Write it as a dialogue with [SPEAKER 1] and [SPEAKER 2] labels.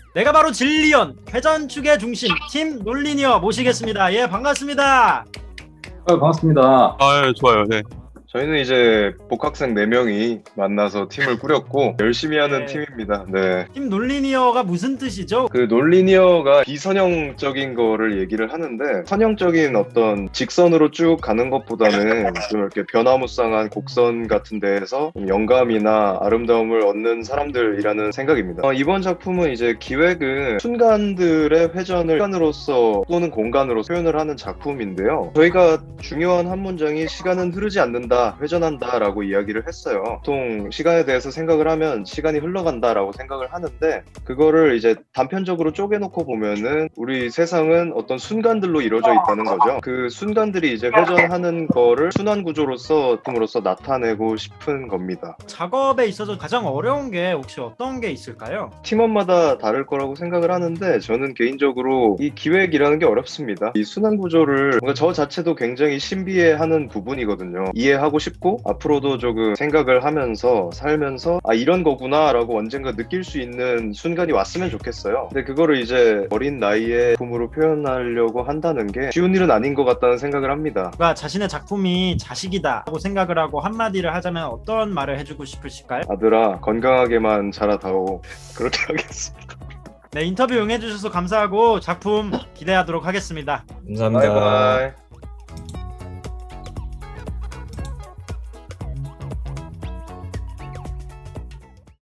[SPEAKER 1] 내가 바로 진리언 회전축의 중심 팀 논리니어 모시겠습니다. 예, 반갑습니다.
[SPEAKER 2] 반갑습니다.
[SPEAKER 3] 좋아요. 네.
[SPEAKER 4] 저희는 이제 복학생 4명이 만나서 팀을 꾸렸고 열심히 하는
[SPEAKER 1] 네.
[SPEAKER 4] 팀입니다. 네.
[SPEAKER 1] 팀 논리니어가 무슨 뜻이죠?
[SPEAKER 4] 그 논리니어가 비선형적인 거를 얘기를 하는데 선형적인 어떤 직선으로 쭉 가는 것보다는 좀 이렇게 변화무쌍한 곡선 같은 데에서 영감이나 아름다움을 얻는 사람들이라는 생각입니다. 이번 작품은 이제 기획은 순간들의 회전을 시간으로서 또는 공간으로 표현을 하는 작품인데요. 저희가 중요한 한 문장이 시간은 흐르지 않는다, 회전한다 라고 이야기를 했어요. 보통 시간에 대해서 생각을 하면 시간이 흘러간다 라고 생각을 하는데 그거를 이제 단편적으로 쪼개놓고 보면은 우리 세상은 어떤 순간들로 이루어져 있다는 거죠. 그 순간들이 이제 회전하는 거를 순환 구조로서 팀으로서 나타내고 싶은 겁니다.
[SPEAKER 1] 작업에 있어서 가장 어려운 게 혹시 어떤 게 있을까요?
[SPEAKER 4] 팀원마다 다를 거라고 생각을 하는데 저는 개인적으로 이 기획이라는 게 어렵습니다. 이 순환 구조를 뭔가 저 자체도 굉장히 신비해하는 부분이거든요. 이해하고 싶고 앞으로도 조금 생각을 하면서 살면서 이런 거구나 라고 언젠가 느낄 수 있는 순간이 왔으면 좋겠어요. 근데 그거를 이제 어린 나이에 작품으로 표현하려고 한다는 게 쉬운 일은 아닌 것 같다는 생각을 합니다.
[SPEAKER 1] 누가 자신의 작품이 자식이다 라고 생각을 하고 한마디를 하자면 어떤 말을 해주고 싶으실까요?
[SPEAKER 4] 아들아, 건강하게만 자라다오. 그렇게 하겠습니다.
[SPEAKER 1] 네, 인터뷰 응해주셔서 감사하고 작품 기대하도록 하겠습니다.
[SPEAKER 2] 감사합니다.
[SPEAKER 4] 바이바이.